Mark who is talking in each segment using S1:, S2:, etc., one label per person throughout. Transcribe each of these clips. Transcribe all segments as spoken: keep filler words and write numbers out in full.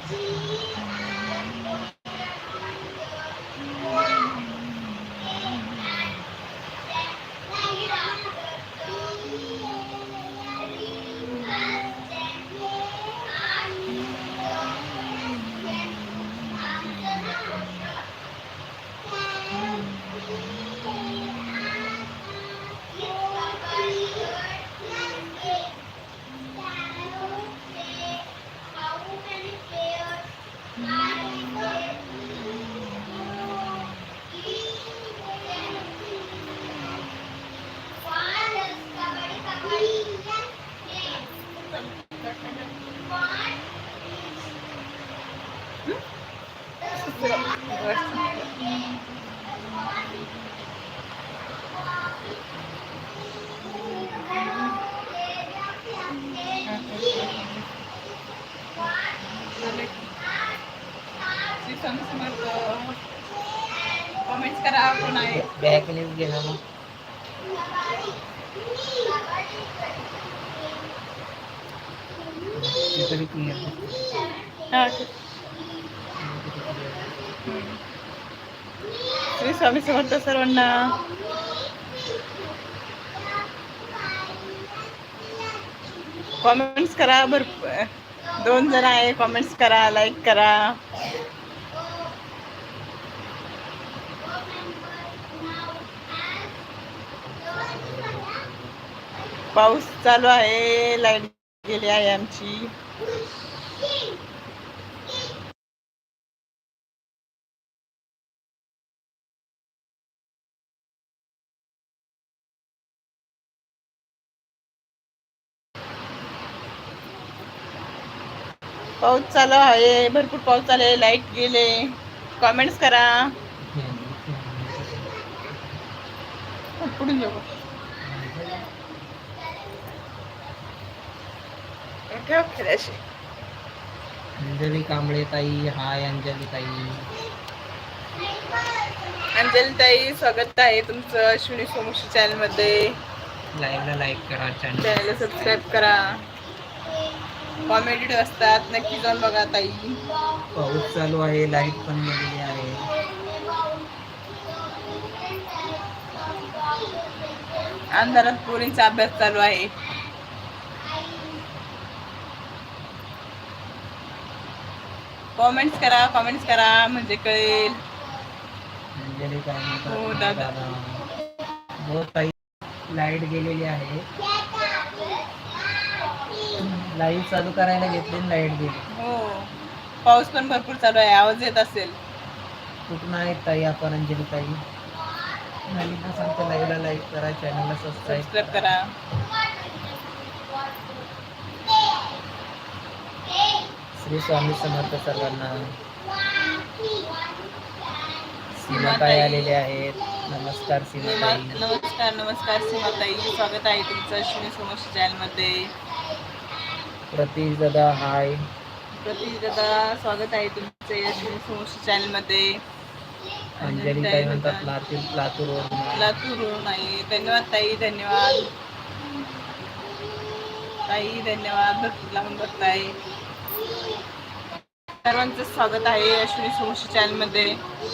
S1: Comments करा कोण आहे
S2: बॅक न्यूज घे ना मग तरी क्लिअर
S1: श्री स्वामी समर्थ सर्वांना. कॉमेंट्स करा भरपूर, दोन जण आहे, कॉमेंट्स करा, लाईक करा. पाऊस चालू आहे, लाईट गेली आहे आमची. पाऊस चालू आहे, भरपूर पाऊस चालू आहे, लाईट गेले. कॉमेंट्स करा. पुढून जाऊ
S2: अंजली कांबळे ताई, हाय अंजली ताई.
S1: अंजली ताई, स्वागत आहे तुमचं अश्विनी सोमवंशी चॅनल मध्ये.
S2: लाईव्हला लाईक करा,
S1: चॅनलला सबस्क्राईब करा. कॉमेडी असतात, नक्की जाऊन बघा ताई.
S2: पाऊस चालू आहे, लाईट पण गेलेली आहे.
S1: अंधारात पोरींचा अभ्यास चालू आहे. कॉमेंट्स करा, कॉमेंट्स करा म्हणजे कळेल. हो दादा,
S2: हो ताई, लाईट गेलेली आहे. लाईट चालू करायला घेतली, लाईट गेली.
S1: हो, पाऊस पण भरपूर चालू आहे, आवाज येत असेल.
S2: कुठून आहेत ताई आपण? अंजली ताई. नवीन सांगतो, लाईव्हला लाईक करा, चॅनलला सबस्क्राईब
S1: करा.
S2: श्री स्वामी समर्थ सर्वांना. सीमाताई आलेले आहेत. नमस्कार सीमाताई.
S1: नमस्कार नमस्कार सीमाताई, स्वागत आहे तुमचं अश्विनी सोमवंशी चॅनल मध्ये.
S2: प्रतीश दादा हाय.
S1: प्रतीश दादा, स्वागत आहे तुमचे अश्विनी सोमवंशी चॅनल मध्ये.
S2: अंजली ताई म्हणतात लातूर लातूरवरून
S1: लातूरवरून आहे. धन्यवाद ताई, धन्यवाद ताई, धन्यवाद. भरपूर लावून बघताय. सर्वांचं स्वागत आहे अश्विनी सोमवंशी चॅनल मध्ये.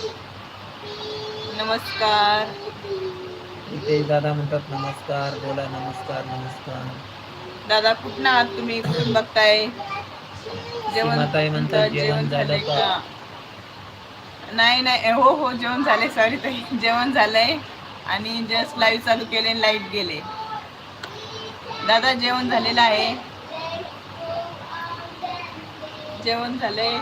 S1: नमस्कार.
S2: इथे दादा म्हणतात नमस्कार, बोला नमस्कार. नमस्कार
S1: दादा, कुठं आहात तुम्ही, कुठून बघताय?
S2: जेवण म्हणतात जेवण झालं का?
S1: नाही नाही, हो हो जेवण झाले. सॉरी ताई, जेवण झालंय आणि जस्ट लाईव्ह चालू केले, लाईट गेले. दादा जेवण झालेलं आहे, जेवण झालंय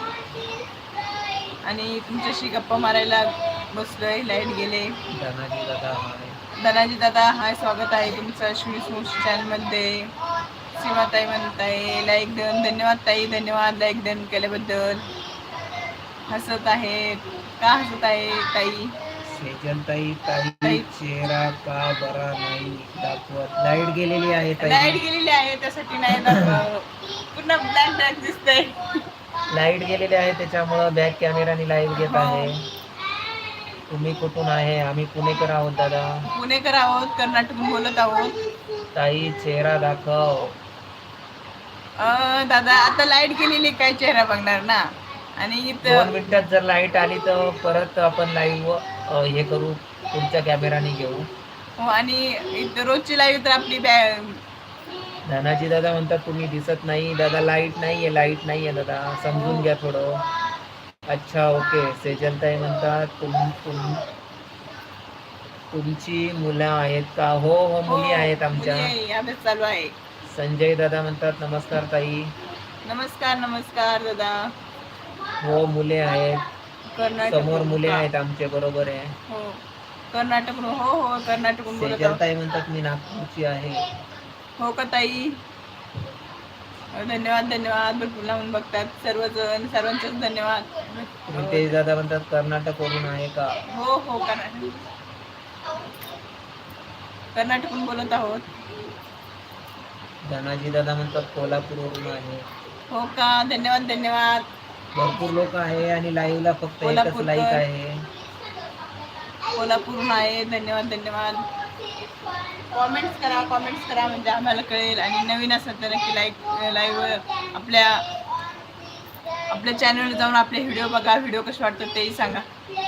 S1: आणि तुमच्याशी गप्पा मारायला बसलोय, लाईट गेले.
S2: धनाजी दादा हाय.
S1: धनाजी दादा हाय, स्वागत आहे तुमचं अश्विनी सोमवंशी चॅनल मध्ये. सीमाताई म्हणताय लाईक देऊन, धन्यवाद ताई, धन्यवाद लाईक देऊन केल्याबद्दल. हसत आहे, का हसत आहे ताई?
S2: सेजल ताई, ताई चेहरा का बरा नाही दाखवत? लाईट गेलेली आहे ताई.
S1: लाईट गेलेली आहे, त्यासाठी नाही दाखवत. पुन्हा ब्लॅक ब्लॅक दिसतंय.
S2: लाईट गेलेली आहे, त्याच्यामुळं बॅक कॅमेराने लाईव्ह घेत आहे. तुम्ही कुठून आहे? आम्ही पुणेकर आहोत दादा.
S1: पुणेकर आहोत, कर्नाटकून बोलत आहोत.
S2: ताई चेहरा दाखव.
S1: अं, दादा आता लाईट गेलेली काय चेहरा बघणार ना. आणि
S2: दोन
S1: इथं
S2: मिनिटात जर लाईट आली तर परत आपण लाईव्ह हे करू, पुढच्या कॅमेराने घेऊ.
S1: हो, आणि इथं रोजची लाईव्ह तर आपली बॅ
S2: धनाजी दादा म्हणतात तुम्ही दिसत नाही दादा. लाईट नाहीये, लाईट नाहीये दादा, समजून घ्या थोडं. अच्छा ओके. सेजलताई म्हणतात तुम तुम तुमची मुलं आहेत का? हो हो, मुली आहेत आमच्या.
S1: मुली आहे, अभ्यास चालू आहे.
S2: संजय दादा म्हणतात नमस्कार ताई.
S1: नमस्कार नमस्कार दादा.
S2: हो मुले आहेत,
S1: कर्नाटक
S2: समोर मुले आहेत आमचे, बरोबर आहे.
S1: हो कर्नाटक. हो हो कर्नाटकून बोलत आहोत.
S2: सेजलताई म्हणतात मी नागपूरची आहे.
S1: हो का ताई? धन्यवाद धन्यवाद. भरपूर लावून बघतात सर्वजण, सर्वांचेच धन्यवाद.
S2: रितेश दादा म्हणतात कर्नाटक वरून आहे का?
S1: हो हो कर्नाटक कर्नाटकून बोलत आहोत.
S2: धनाजी दादा म्हणतात कोल्हापूर वरून आहे.
S1: हो का? धन्यवाद धन्यवाद.
S2: भरपूर लोक आहे आणि लाईव्हला फक्त एकच
S1: कोल्हापूरकर.
S2: लाईक आहे.
S1: कोल्हापूरहून आहे. धन्यवाद धन्यवाद. कॉमेंट्स करा, कॉमेंट्स करा म्हणजे आम्हाला कळेल. आणि नवीन असेल तर नक्की लाईक लाईव्ह आपल्या आपल्या चॅनलवर जाऊन आपले व्हिडिओ बघा. व्हिडिओ कसे वाटतात तेही सांगा.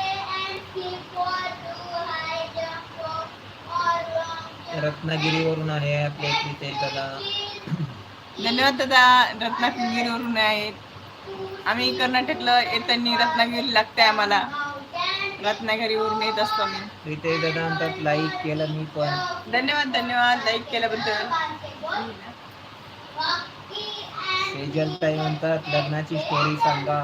S2: रत्नागिरीवरून आहे आपले प्रीतेश दादा.
S1: धन्यवाद दादा. रत्नागिरीवरून आहेत. आम्ही कर्नाटकला येताना रत्नागिरी लागते आम्हाला. रत्नागिरीवरून येत असतो मी.
S2: प्रीतेश दादा म्हणतात लाईक केलं मी पण.
S1: धन्यवाद धन्यवाद लाईक केल्याबद्दल.
S2: सेजलताई म्हणतात लग्नाची स्टोरी सांगा.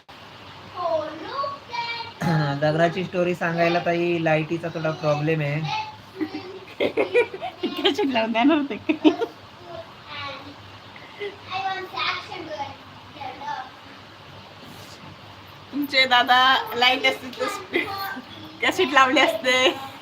S2: लग्नाची स्टोरी सांगायला ताई लाईटीचा थोडा प्रॉब्लेम आहे.
S1: लावून देणार होते. तुमचे दादा लाईट असते तर कॅसेट लावली असते.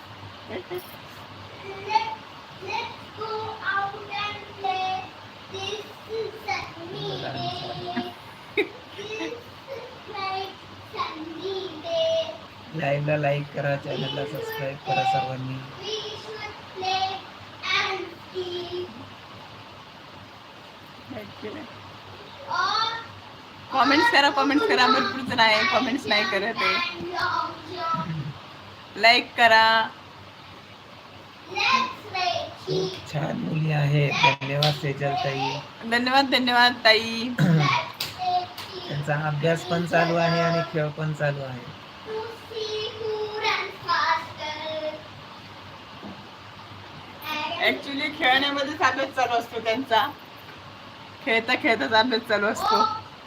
S2: लाईव्हला लाईक करा, चॅनलला सबस्क्राईब करा सर्वांनी.
S1: कॉमेंट्स करा, कॉमेंट्स करा. भरपूर जण आहे कॉमेंट्स नाही करत आहे. लाईक करा.
S2: खूप छान मुली आहे. धन्यवाद सेजलताई.
S1: धन्यवाद धन्यवाद ताई.
S2: त्यांचा अभ्यास पण चालू आहे आणि खेळ पण चालू आहे.
S1: ऍक्च्युली खेळण्यामध्येच अभ्यास चालू असतो त्यांचा. खेळता खेळताच अभ्यास चालू असतो.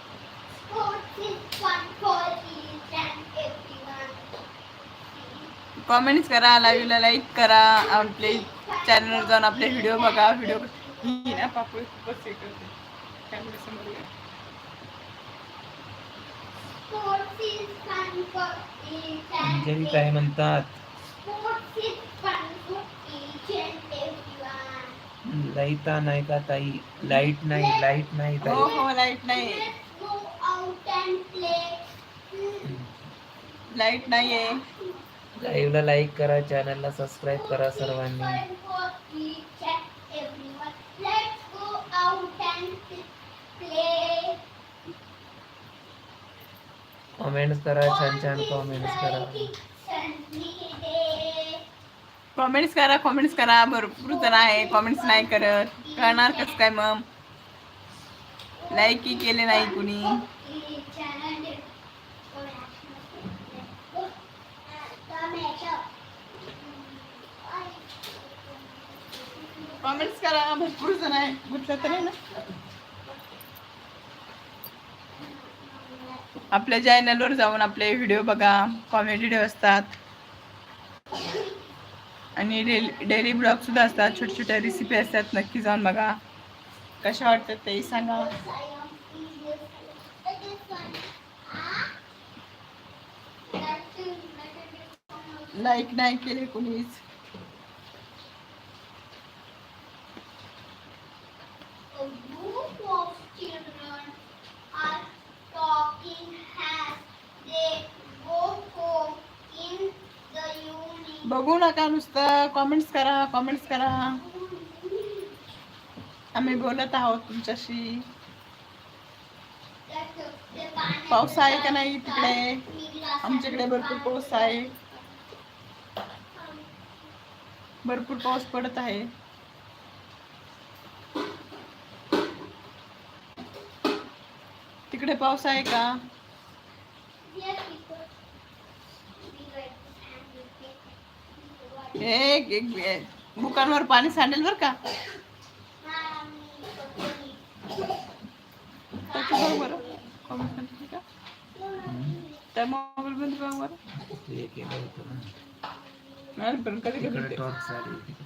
S1: कॉमेंट्स करा, लाईव्हला लाईक करा, आपले चॅनलवर जाऊन आपले व्हिडिओ बघा. व्हिडिओ ही ना पापड खूपच हे करते. कॅमेरा समोर ये.
S2: अंजली काय म्हणतात लाईट नाही का ताई? लाईट नाही, लाईट नाही
S1: हो
S2: ताई.
S1: हो लाईट नाही. लाईट नाहीये.
S2: लाईव्हला लाईक करा, चॅनलला सबस्क्राईब करा सर्वांनी. कॉमेंट्स करा, छान छान कॉमेंट्स करा.
S1: कॉमेंट्स करा, कॉमेंट्स करा. भरपूर जण आहे कॉमेंट्स नाही करत. करणार कसं काय मग? लाईकही केले नाही कुणी. कॉमेंट्स करा. भरपूर जण आहे. म्हटलं तर आहे ना. आपल्या चॅनलवर जाऊन आपले व्हिडिओ बघा. कॉमेडी व्हिडिओ असतात आणि डेली डेली ब्लॉग सुद्धा असतात. छोट्या छोट्या रेसिपी असतात. नक्की जाऊन बघा. कशा वाटतात तेही सांगा. लाईक नाही केले कुणीच. बघू नका, नुसतं कॉमेंट्स करा, कॉमेंट्स करा. आम्ही बोलत आहोत तुमच्याशी. पाऊस आहे का नाही तिकडे? आमच्याकडे भरपूर पाऊस आहे, भरपूर पाऊस पडत आहे. तिकडे पाऊस आहे का? एक एक बुकांवर पाणी सांडेल बर का. त्याचं बघ बरं. comment मध्ये का? त्या मोबाईल मध्ये बघ बरं.
S2: ते केलं होतं ना.
S1: नाही, पण कधी कधी
S2: तिकडे
S1: ते-
S2: टॉर्च आली तिकडे.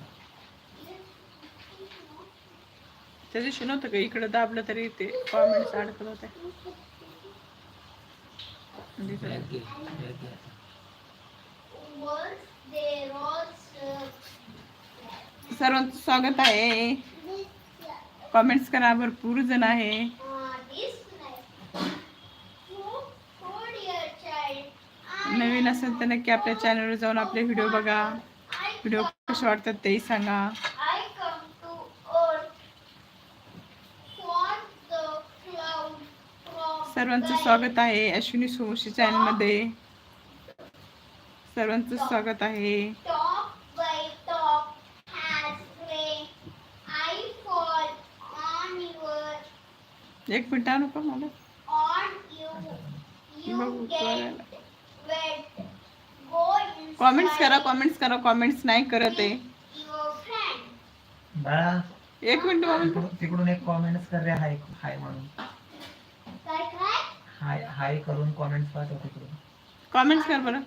S1: त्या दिवशी नव्हतं का इकडे दाबलं तरी ते कॉमेंट्स अडकत होते. म्हणजे ते-
S2: बॅग घे, बॅग घे आता.
S1: सर्वांचं स्वागत आहे. कॉमेंट्स करा, भरपूर जण आहे. नवीन असेल तर नक्की आपल्या चॅनलवर जाऊन आपले व्हिडिओ बघा. व्हिडिओ कसे वाटतात तेही सांगा. सर्वांचं स्वागत आहे अश्विनी सोमवंशी चॅनल मध्ये. सर्वांचं स्वागत आहे. एक मिनिट आणू का मला बघू कॉमेंट्स करा, कॉमेंट्स करा. कॉमेंट्स नाही करत आहे.
S2: बाळा
S1: एक मिनिट बाबा.
S2: तिकडून तिकडून एक कॉमेंट्स कर रे, हाय हाय म्हणून. हाय हाय करून कॉमेंट्स पाठव तिकडून.
S1: कॉमेंट्स कर बरं.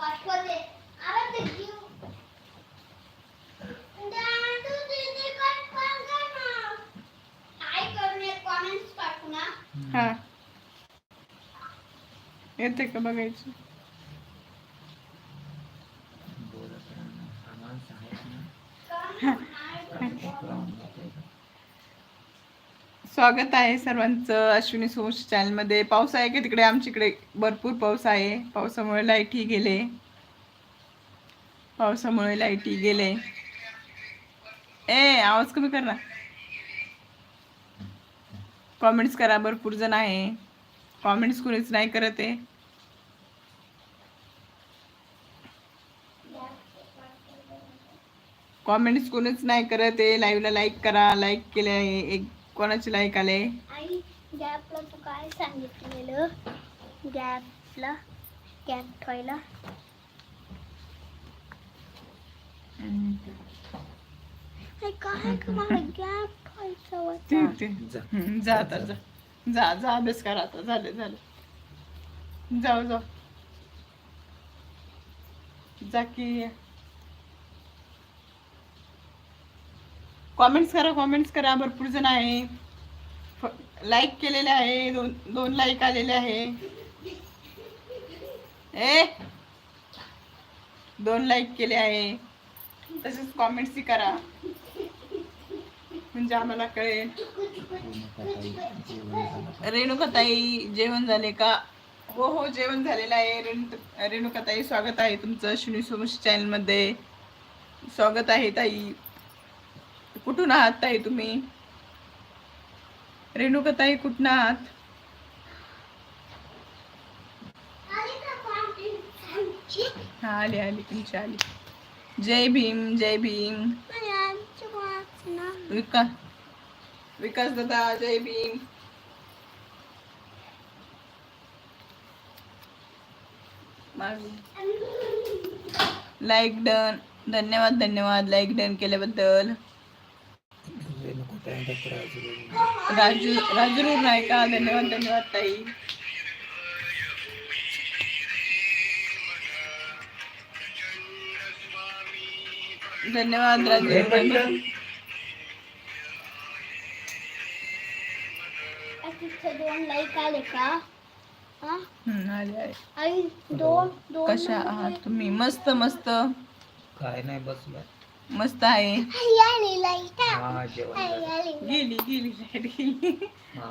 S1: हा येते का बघायचं.
S2: बोलत राहा ना. हा माणूस आहे ना.
S1: स्वागत आहे सर्वांचं अश्विनी सोमवंशी चॅनल मध्ये. पाऊस आहे का तिकडे? आमच्याकडे भरपूर पाऊस आहे. पावसामुळे लाईटही गेले. पावसामुळे लाईटही गेले. ए आवाज कमी कर ना. कॉमेंट्स करा, भरपूर जण आहे. कॉमेंट्स कोणीच नाही करत आहे. कॉमेंट्स कोणीच नाही करत आहे. लाईव्हला लाईक करा. लाईक केले आहे. एक कोणाचे लाईक आले?
S3: आई गॅपला तू काय सांगितलेलं? गॅपला गॅप ठेवायला. आई काय का मला गॅप ठेवायचा होता.
S1: ठीक ठीक
S2: जा.
S1: हम्म, जा आता जा जा जा अभ्यास करा आता. झालं झालं. जाऊ जाऊ जा की. कॉमेंट्स करा, कॉमेंट्स करा. भरपूर जण आहे. लाईक केलेले आहे. दोन दोन लाईक आलेले आहे. ए दोन लाईक केले आहे. तसेच कॉमेंट्सही करा म्हणजे आम्हाला कळेल. रेणुकाताई जेवण झाले का? हो हो जेवण झालेलं आहे. रेणु रेणुकाताई स्वागत आहे तुमचं अश्विनी सोमवंशी चॅनल मध्ये. स्वागत आहे ताई. कुठून आहात ताई तुम्ही? रेणुकाताई कुठून आहात? हा आली आली तुमची आली. जय भीम जय भीम. विकास विकास दादा जय भीम. Like done. धन्यवाद धन्यवाद लाईक डन केल्याबद्दल. राजू राजू नाही का? धन्यवाद धन्यवाद ताई. धन्यवाद राजू.
S3: दोन लाईक आले का? हा
S1: हम्म, आले आले.
S3: आई दोन दोन
S1: कशा आहात तुम्ही? मस्त मस्त
S2: काय नाही बसलो.
S1: मस्त आहे.
S3: आई आली लाईट.
S2: हा जेवण
S3: आई
S2: झालं.
S3: आली.
S1: गेली गेली लाईट गेली.
S2: हा.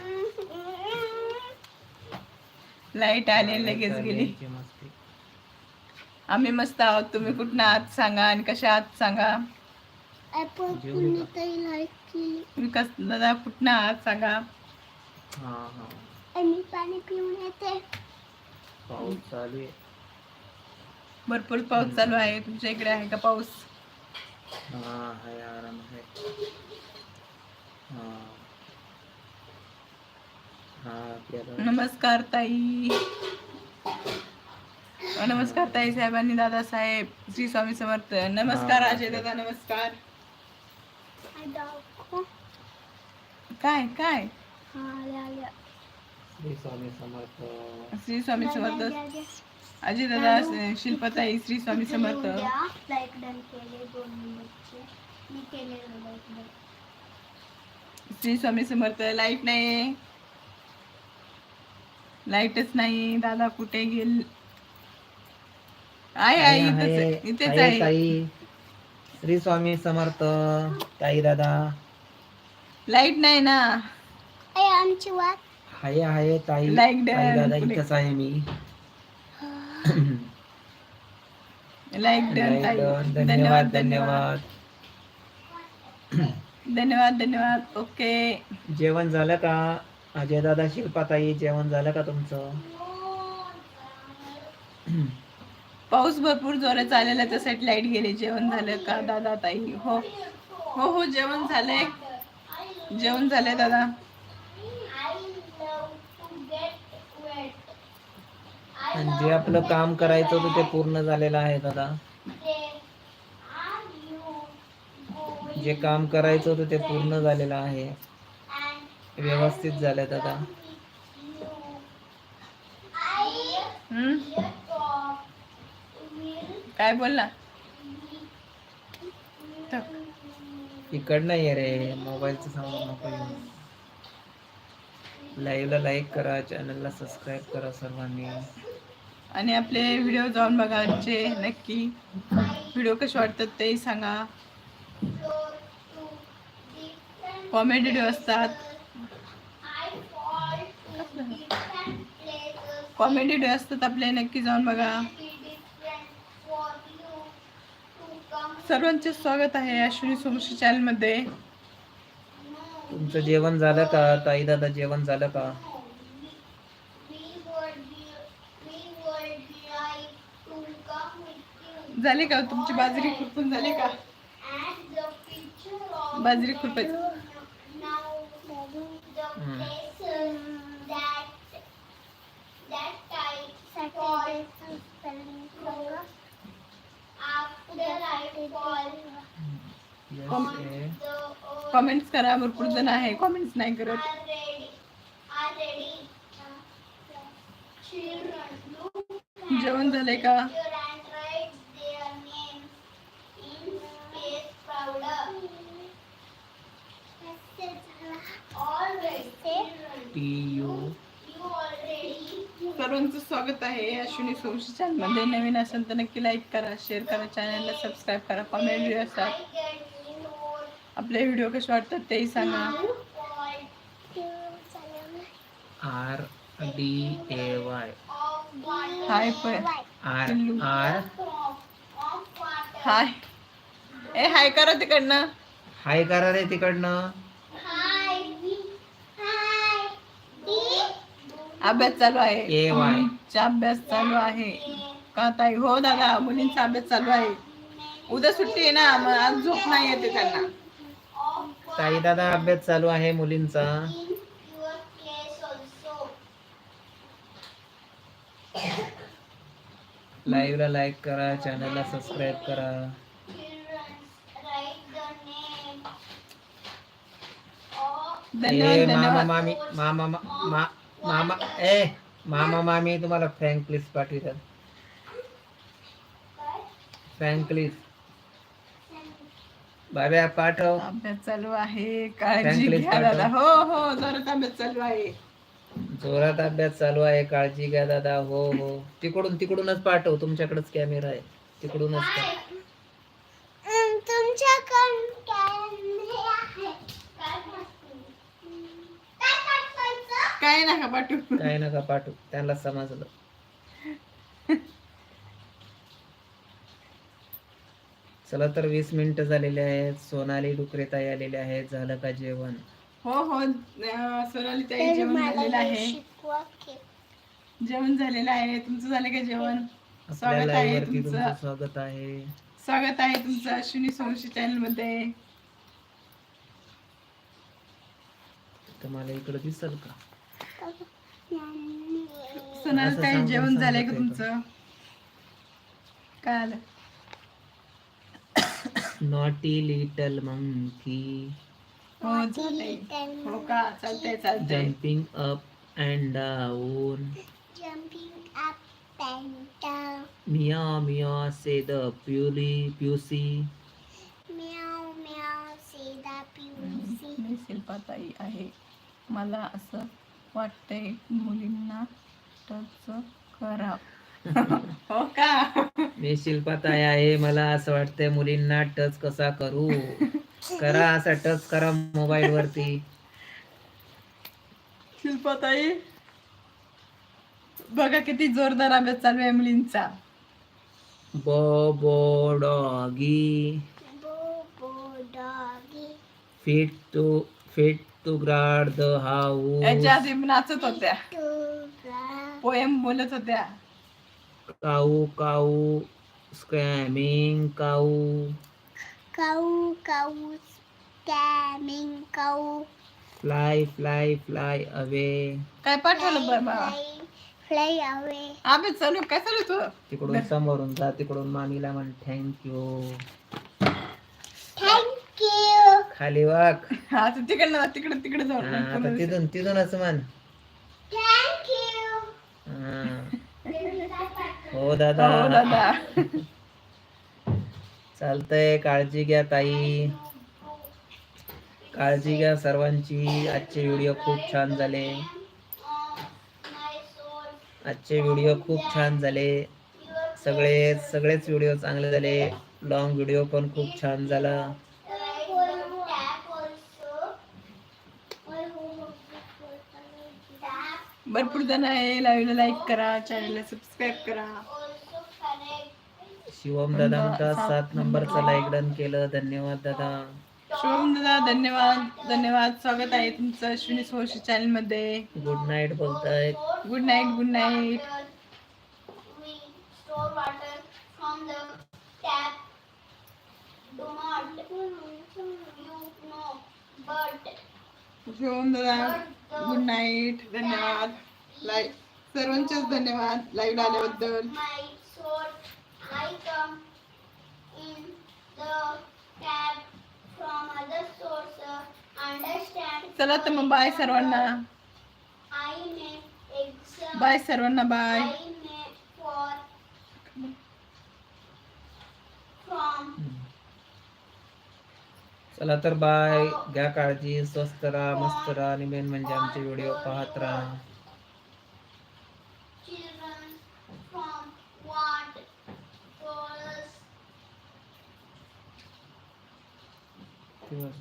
S1: लाईट आली लगेच गेली.
S2: यायची मस्ती.
S1: आम्ही मस्त आहोत. तुम्ही कुठं आहात सांगा आणि कशा आहात सांगा.
S3: आपण कुणीतरी लाईक केली.
S1: विकास दादा कुठं आहात सांगा.
S2: हा हा.
S3: आणि पाणी पिऊन येते.
S2: पाऊस चालू आहे.
S1: भरपूर पाऊस चालू आहे. तुमच्या इकडे आहे का पाऊस?
S2: हा आहे, आराम आहे. हा हा आपल्याला
S1: नमस्कार ताई. नमस्कार ताई साहेबांनी, दादासाहेब, श्री स्वामी समर्थ. नमस्कार
S2: हा.
S1: अजय दादा, नमस्कार.
S3: आई दाखव.
S1: काय काय
S3: हा आले आले.
S2: श्री स्वामी समर्थ.
S1: श्री स्वामी समर्थ.
S3: द्या, द्या.
S1: अजय दादा, शिल्पाताई, श्री स्वामी समर्थ.
S3: लाईक डन केले दोन मिनिटचे. मी केले like done.
S1: Shri Swami Samarth. Light नाही, लाईटच नाही. दादा कुठे गेल? आहे आहे
S2: आहे,
S1: इथेच इथेच
S2: आहे
S1: आहे.
S2: ताई. श्री स्वामी समर्थ ताई दादा.
S1: लाईट नाही ना.
S3: आई आमची वाट.
S2: हाय आहे ताई.
S1: Like
S2: ताई
S1: done.
S2: दादा
S1: पुढे.
S2: इथंच आहे मी.
S1: लाईट डन
S2: Like
S1: ताई.
S2: done.
S1: धन्यवाद
S2: धन्यवाद
S1: धन्यवाद धन्यवाद धन्यवाद. ओके.
S2: जेवण झालं का अजय दादा, शिल्पा ताई? जेवण झालं का तुमचं?
S1: पाऊस भरपूर जोरात आलेला, त्यासाठी लाईट गेली. जेवण झालं का दादा ताई? हो हो हो जेवण झालंय. जेवण झालंय दादा.
S2: आणि जे आपलं काम करायचं होतं ते पूर्ण झालेलं आहे दादा. जे काम करायचं होतं ते पूर्ण झालेलं आहे. व्यवस्थित झालंय दादा.
S1: हम्म काय बोलला?
S2: इकडनं ये रे, मोबाईलचं सांगू नको येऊ. लाईव्हला लाईक करा, चॅनलला सबस्क्राईब करा सर्वांनी.
S1: आणि आपले व्हिडिओ जाऊन बघायचे नक्की. व्हिडिओ कसे वाटतात ते सांगा. कॉमेडी व्हिडिओ असतात. कॉमेडी व्हिडिओ असतात आपले, नक्की जाऊन बघा. सर्वांचे स्वागत आहे अश्विनी सोमशी चॅनल मध्ये.
S2: तुमचं जेवण झालं का ताई दादा? जेवण झालं का?
S1: झाले का तुमची बाजरी खुरपून झाली का? बाजरी खुरपायची.
S2: हम्म. Yes, eh.
S1: कमेंट्स करा. भरपूर जण आहे कमेंट्स नाही करत. जेवण झालंय का?
S2: T U
S1: सर्वांचं स्वागत आहे अश्विनी सोमशी चॅनल मध्ये. नवीन असेल तर नक्की लाईक करा, शेअर करा, चॅनलला सबस्क्राईब करा. कॉमेंट व्हिडिओ असतात. आपले व्हिडिओ कसे वाटतात तेही सांगा.
S2: R D A Y.
S1: हाय पण
S2: R R
S1: हाय. ए हाय करा तिकडनं.
S2: हाय करा रे तिकडनं.
S1: अभ्यास चालू आहे.
S2: ए वाय.
S1: मुलींचा अभ्यास चालू आहे का ताई? हो दादा, मुलींचा अभ्यास चालू आहे. उद्या सुट्टी आहे ना, मग आज झोप नाही येते त्यांना.
S2: ताई दादा अभ्यास चालू आहे मुलींचा. लाईव्हला लाईक करा, चॅनलला सबस्क्राईब करा.
S1: धन्यवाद
S2: ए मामा
S1: धन्यवाद.
S2: मामी मामा मा- मा- मामा ए मामा मामी तुम्हाला फ्रँक प्लीज पाठवितात. फ्रँक प्लीज बाब्या पाठव.
S1: अभ्यास चालू आहे, काळजी
S2: Franklin
S1: घ्या
S2: पाठव.
S1: दादा. हो हो जोरात अभ्यास चालू आहे.
S2: जोरात अभ्यास चालू आहे, काळजी घ्या दादा. हो हो तिकडून तिकडूनच पाठव, तुमच्याकडेच कॅमेरा आहे, तिकडूनच पाठव.
S1: काय नका पाठवू.
S2: काय नका पाठव, त्यांना समजलं. चला तर वीस मिनिटं झालेले आहेत. सोनाली डुकरेताई आलेले आहेत. झालं का जेवण?
S1: हो हो अं, सोनाली ताई
S3: तर
S1: जेवण
S3: मला
S1: झालेलं
S3: हे
S1: आहे.
S3: शिकवा की.
S1: जेवण झालेलं आहे. तुमचं झालं का जेवण?
S2: आपल्या
S1: स्वागत
S2: लाईव्ह
S1: आहे
S2: वरती तुमचं
S1: तुमचं.
S2: स्वागत आहे.
S1: स्वागत आहे तुमचं अश्विनी सोमशी चॅनल मध्ये.
S2: तुम्हाला इकडे दिसल का?
S1: सोनाली
S2: असं
S1: ताई
S2: सांगून
S1: जेवण झालंय का
S2: सांगत आहे
S1: तुमचं? काय आलं?
S2: नॉटी लिटल मंकी
S1: हो झालंय. हो का? चालतंय चालतंय.
S2: Jumping up and down.
S3: Jumping up and down.
S2: Meow meow say the pully pussy.
S3: Meow meow say the pussy.
S1: मी शिल्पाताई आहे. मला असं वाटतंय मुलींना टच करा. हो का?
S2: मी शिल्पाताई आहे. मला असं वाटतंय मुलींना टच कसा करू. करा असा टच करा मोबाईल वरती.
S1: शिल्पाताई बघा किती जोरदार अभ्यास चालू आहे मुलींचा.
S2: Bow doggy
S3: Bobo doggy.
S2: Fit to fit to guard the house.
S1: याच्या आधी नाचत होत्या,
S3: To the
S1: पोएम बोलत होत्या.
S2: Cow cow scramming cow.
S3: cow cow scamming cow.
S2: Fly fly fly away.
S1: काय पाठवलं बरं बाबा?
S3: Fly, fly away.
S1: अभ्यास चालू काय चालू तू?
S2: तिकडून समोरून जा, तिकडून मामीला म्हण थँक्यू.
S3: Thank you.
S2: खाली वाघ.
S1: हा तू तिकडनं जा, तिकडे तिकडे जाऊ
S2: हा, आता तिथून तिथूनच म्हण.
S3: Thank you.
S2: हा. हो
S1: हो
S2: दादा.
S1: दादा.
S2: चालतंय. काळजी घ्या ताई. काळजी घ्या सर्वांची. आजचे व्हिडिओ खूप छान झाले. आजचे व्हिडिओ खूप छान झाले. सगळे सगळेच व्हिडिओ चांगले झाले. लॉंग व्हिडिओ पण खूप छान झाला.
S1: भरपूर जण आहे. लाईव्हला लाईक करा, चॅनलला सबस्क्राईब करा.
S2: शिवम दादा म्हणतात सात नंबरचा लाईक डन केलं. धन्यवाद दादा.
S1: शिवम दादा धन्यवाद धन्यवाद. स्वागत आहे तुमचं अश्विनी सोशी चॅनल मध्ये.
S2: गुड नाईट बोलतायत.
S1: Good night good night.
S3: We store water from the tap. Do not you know, but
S1: Shivam dada good night. धन्यवाद. लाईक सर्वांचेच धन्यवाद लाईव्ह आल्याबद्दल.
S3: my source I come in the tap from other source. Understand?
S1: चला तर मग bye सर्वांना.
S3: I make exam.
S1: Bye सर्वांना bye.
S3: I make for from
S2: चला तर बाय. घ्या काळजी. स्वस्त राहा, मस्त राहा आणि मेन म्हणजे आमचे व्हिडिओ पाहत राहा.
S3: children from what source.
S2: दिवस